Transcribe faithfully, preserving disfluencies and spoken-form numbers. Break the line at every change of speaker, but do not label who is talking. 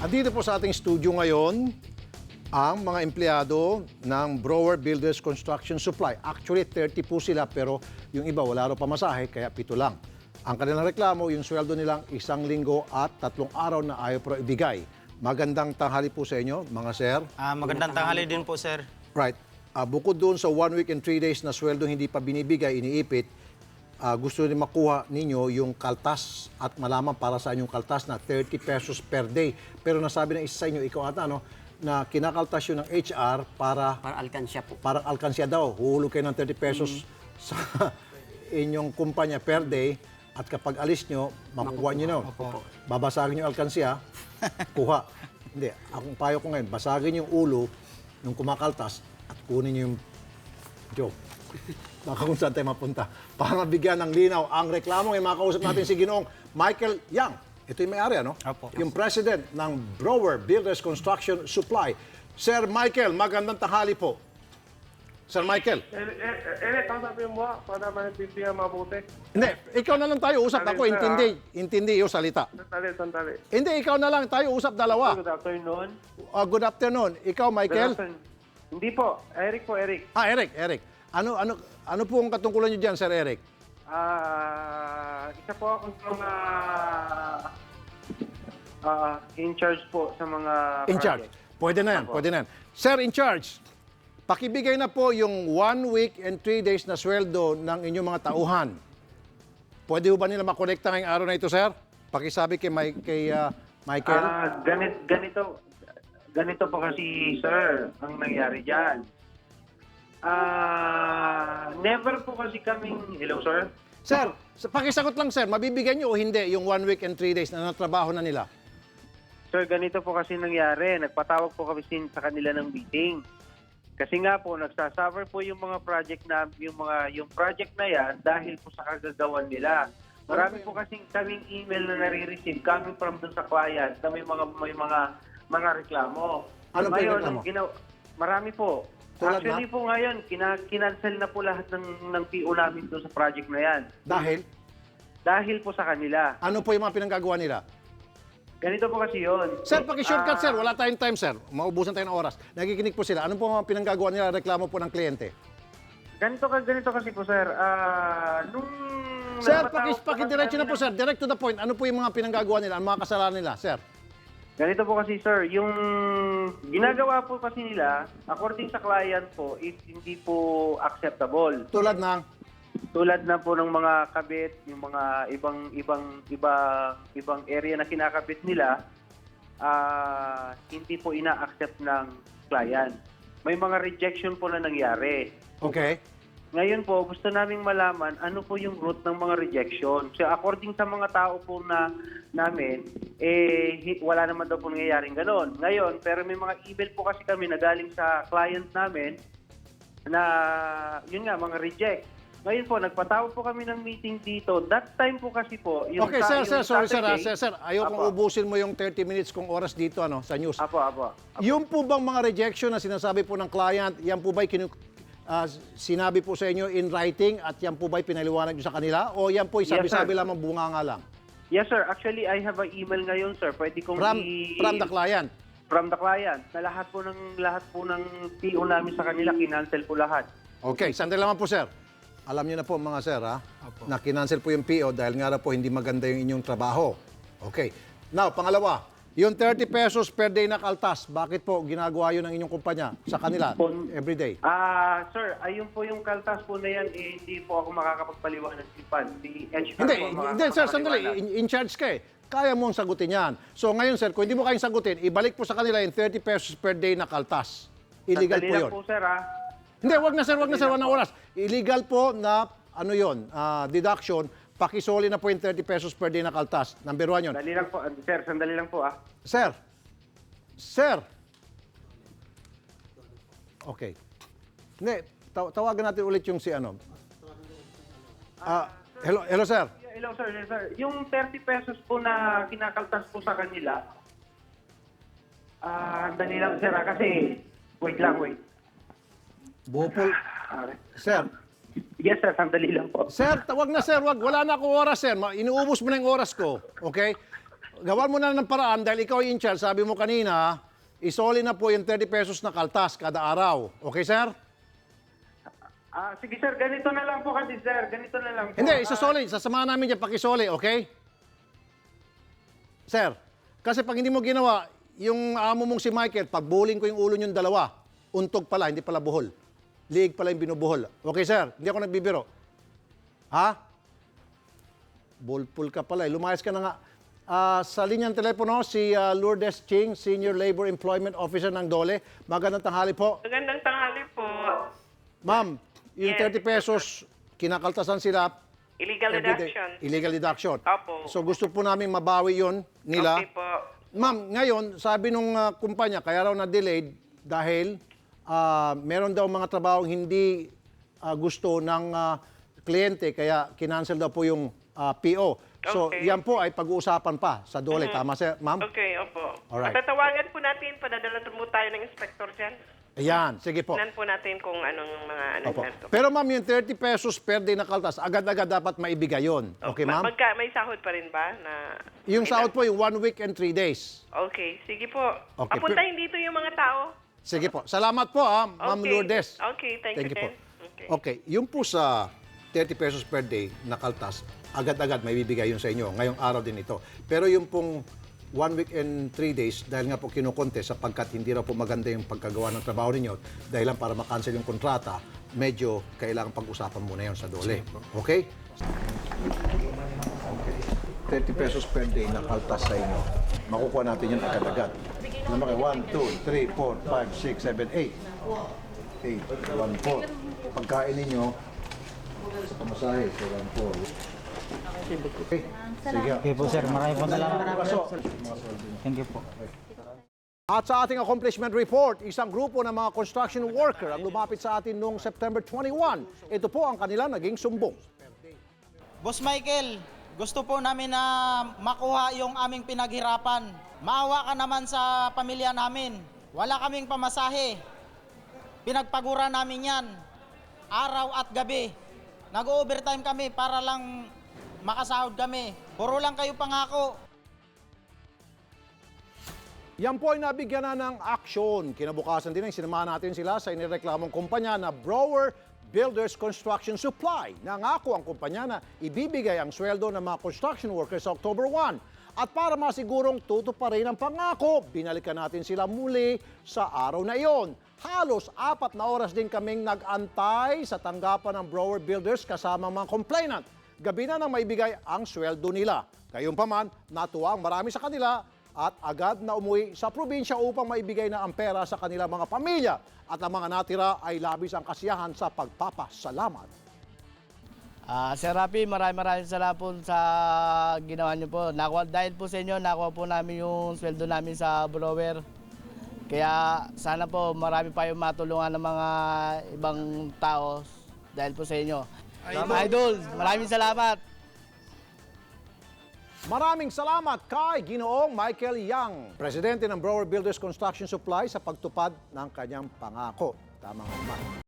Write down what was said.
Andito po sa ating studio ngayon ang mga empleyado ng Brower Builders Construction Supply. Actually, thirty po sila pero yung iba wala raw pamasahe kaya pito lang. Ang kanilang reklamo, yung sweldo nilang isang linggo at tatlong araw na ayaw pero ibigay. Magandang tanghali po sa inyo, mga sir.
Ah, magandang tanghali din po, sir.
Right. Ah, bukod doon sa one week and three days na sweldo hindi pa binibigay, iniipit, ah, gusto rin makuha ninyo yung kaltas at malaman para sa inyong kaltas na thirty pesos per day. Pero nasabi ng isa sa inyo, ikaw ata, no, na kinakaltas yun ng H R para
Para alkansya po.
parang alkansya daw. Huhulog kayo ng thirty pesos sa inyong kumpanya per day at kapag alis nyo, makukuha nyo nun. Babasagin yung alkansya, kuha. Hindi, akong payo ko ngayon, basagin yung ulo nung kumakaltas at kunin nyo yung joke. Baka kung saan tayo mapunta. Para mabigyan ng linaw ang reklamo, ay makausap natin si Ginoong Michael Yang. Ito yung may-ari, ano?
Opo.
Yung president ng Brower Builders Construction Supply. Sir Michael, magandang tanghali po. Sir Michael.
Eh, eh, eh, kausapin mo ah, para maintindihan mabuti.
Hindi, ikaw na lang tayo usap. Ako,
Sir,
intindi. Intindi yung salita.
Sandali, sandali.
Hindi, ikaw na lang tayo usap dalawa.
Good afternoon.
Uh, good afternoon. Ikaw,
Good
Michael.
afternoon. Hindi po. Eric po, Eric.
Ah, Eric, Eric. Ano ano ano po ang katungkulan niyo diyan, Sir Eric?
Ah, isa po ako sa mga ah, in charge po sa mga
In charge.
project.
Pwede na yan,
Opo.
pwede na yan. Sir, in charge, pakibigay na po yung one week and three days na sweldo ng inyong mga tauhan. Pwede ho ba nila makolekta ngayong araw na ito, sir? Pakisabi kay, Mike, kay ah, Michael.
Ah, ganit, ganito, ganito po kasi, sir, ang nangyari dyan. Ah, never po kasi kaming, hello, sir?
Sir, sa- pakisagot lang, sir, mabibigyan niyo o hindi yung one week and three days na natrabaho na nila?
Sir, ganito po kasi nangyari. Nagpatawag po kami sin sa kanila ng meeting. Kasi nga po, nagsasuffer po yung mga project na, yung mga, yung project na yan dahil po sa kagagawan nila. Marami po kasing kaming email na nare-receive coming from dun sa client na may mga, may mga, mga reklamo.
Ano po yung
Ngayon,
reklamo?
ang ginaw- marami po.
Tulad
Actually po ngayon, kina, kinancel na po lahat ng, ng P O namin doon sa project na yan.
Dahil,
Dahil po sa kanila.
ano po yung mga pinanggagawa nila?
Ganito po kasi yun.
Sir, paki-shortcut,
Ah,
sir. Wala tayong time, sir. Maubusan tayo ng oras. Nakikinig po sila. Ano po mga pinanggagawa nila, reklamo po ng kliyente?
Ganito ka ganito kasi po sir. Ah, nung
Sir,
nagpatawag
paki,
po
paki-diretso na
kami
po, sir. Direct to the point. Ano po yung mga pinanggagawa nila? Ang mga kasalanan nila, sir?
Ganito po kasi sir, yung ginagawa po kasi nila according sa client po is hindi po acceptable.
Tulad ng...
Tulad na po ng mga kabit, yung mga ibang ibang iba ibang area na kinakabit nila, ah hindi po ina-accept ng client. May mga rejection po na nangyari.
Okay.
Ngayon po, gusto naming malaman ano po yung root ng mga rejection. So according sa mga tao po na namin, eh hi- wala naman daw po nangyayaring gano'n. Ngayon, pero may mga email po kasi kami na galing sa client namin na yun nga, mga reject. Ngayon po, nagpatawag po kami ng meeting dito. That time po kasi po, yung
Okay,
sa-
sir, sir,
yung
sorry, sir, ah.
Saturday-
sir, sir, ayokong
Apo.
ubusin mo yung thirty minutes kong oras dito, ano, sa news.
Apo, apo.
Yung po bang mga rejection na sinasabi po ng client, yan po ba'y kinu- ah, sinabi po sa inyo in writing at yan po ba'y pinaliwanag nyo sa kanila? O yan po
Yes,
sabi-sabi
sir.
lamang bunganga lang?
Yes, sir. Actually, I have an email ngayon, sir. Pwede kong
From,
i-
from the client?
from the client na lahat po ng lahat po ng P O namin sa kanila kinancel po lahat.
Okay, sandali naman po, sir. Alam niyo na po, mga sir, ha, na kinancel po yung P O dahil nga na po hindi maganda yung inyong trabaho. Okay. Now, pangalawa, yung thirty pesos per day na kaltas, bakit po ginagawa yun ng inyong kumpanya sa kanila every day?
Ah, sir, ayun po yung kaltas po na yan, eh, hindi po ako makakapagpaliwanag si Pan. Si H R
Hindi,
po ang
hindi, sir, sandali.
makakapagpaliwanag.
In, in charge ka eh. Kaya mong sagutin yan. So ngayon, sir, kung hindi mo kayang sagutin, ibalik po sa kanila yung thirty pesos per day na kaltas. Illegal
Sandali
po
lang
yun.
po, sir, ah.
Hindi, wag na sir, wag na sir, wag na oras. Illegal po na, ano yun, ah, deduction, pakisoli na po yung thirty pesos per day na kaltas. Number one yun.
Sandali lang po, ah, sir, sandali lang po, ah.
Sir, sir. Okay. Hindi, taw- tawagan natin ulit yung si ano. Ah, hello, hello sir.
Hello, sir, yes, sir. Yung thirty pesos po na kinakaltas po sa kanila, ah, sandali lang, sir, ah, kasi, wait lang, wait.
Bupol.
Ah,
Sir,
yes, sir, sandali lang po.
Sir, tawag na sir, wag. Wala na akong oras, sir. Ma- Inuubos mo na yung oras ko. Okay? gawan mo na ng paraan dahil ikaw yung in charge. Sabi mo kanina, isoli na po yung thirty pesos na kaltas kada araw. Okay, sir?
Ah, sige sir, ganito na lang po kasi sir, ganito na lang po.
Hindi,
Ah,
isasoli. Sasamahan namin dyan, pakisoli, okay? Sir, kasi pag hindi mo ginawa, yung amo mong si Michael, pag bowling ko yung ulo niyong dalawa, untog pala, hindi pala buhol. Liig pala yung binubuhol. Okay, sir? Hindi ako nagbibiro. Ha? Ballpool ka pala. Eh. Lumayas ka na nga. Ah, sa linyang telepono, si ah, Lourdes Ching, Senior Labor Employment Officer ng Dole. Magandang tanghali po.
Magandang tanghali po.
Ma'am, yung
Yes.
thirty pesos, kinakaltasan sila.
Illegal
everyday.
deduction.
Illegal deduction.
Opo.
So gusto po namin mabawi yon nila.
Okay po.
Ma'am, ngayon, sabi nung ah, kumpanya, kaya raw na-delayed dahil ah, meron daw mga trabahong hindi ah, gusto ng ah, kliyente, kaya kinancel daw po yung ah, P O. So,
Okay.
yan po ay pag-uusapan pa sa Dole. Tama, sir, ma'am?
Okay, opo.
Alright.
Tatawagan po natin, padadala po tayo ng inspector dyan.
Ayan, sige po.
Tignan po natin kung anong mga ano
Opo.
yan.
Pero ma'am, yung thirty pesos per day na kaltas, agad-agad dapat maibigay yon. Okay,
Ma-
ma'am?
Magka, may sahod pa rin ba? Na,
Yung sahod po, yung one week and three days.
Okay, sige po.
Okay,
Papuntahin dito yung mga tao.
Sige po. Salamat po, ah, Ma'am
Okay.
Lourdes.
Okay, thank,
Thank
you,
you po.
din. Okay.
Okay, yung po sa thirty pesos per day na kaltas, agad-agad may bibigay yun sa inyo. Ngayong araw din ito. Pero yung pong one week and three days, dahil nga po kinukonte sapagkat hindi raw po maganda yung pagkagawa ng trabaho ninyo, dahil lang para makancel yung kontrata, medyo kailangan pag-usapan muna yun sa Dole. Okay? Okay. thirty pesos per day na kaltas sa inyo. Makukuha natin yun agad-agad. Alam mo kayo, one, two, three, four, five, six, seven, eight. eight, one, four. Pagkain ninyo, sa pamasahe, so one, four. Okay. Sige.
Okay po, sir. Maraming po salamat.
Paso.
Thank you po.
At sa ating accomplishment report, isang grupo ng mga construction worker ang lumapit sa atin noong September twenty-one. Ito po ang kanila naging sumbong.
Boss Michael, gusto po namin na makuha yung aming pinaghirapan. Maawa ka naman sa pamilya namin. Wala kaming pamasahe. Pinagpagura namin yan. Araw at gabi. Nag-overtime kami para lang makasahod kami. Puro lang kayo pangako.
Yan po ay nabigyan na ng aksyon. Kinabukasan din ay sinamahan natin sila sa inireklamong kumpanya na Brower Builders Construction Supply. Nangako ang kumpanya na ibibigay ang sweldo ng mga construction workers sa October first. At para masigurong tutuparin ang pangako, binalikan natin sila muli sa araw na iyon. Halos apat na oras din kaming nag-antay sa tanggapan ng Brower Builders kasama mga complainant. Gabi na nang maibigay ang sweldo nila. Gayunpaman, natuwa ang marami sa kanila at agad na umuwi sa probinsya upang maibigay na ang pera sa kanilang mga pamilya. At ang mga natira ay labis ang kasiyahan sa pagpapasalamat.
Ah, Sir Rafi, maraming maraming salamat po sa ginawa niyo po. Nakuha, dahil po sa inyo, nakuha po namin yung sweldo namin sa blower. Kaya sana po marami pa yung matulungan ng mga ibang tao dahil po sa inyo. Idol, Idol maraming salamat.
Maraming salamat kay Ginoong Michael Yang, presidente ng Brower Builders Construction Supply sa pagtupad ng kanyang pangako. Tamang naman.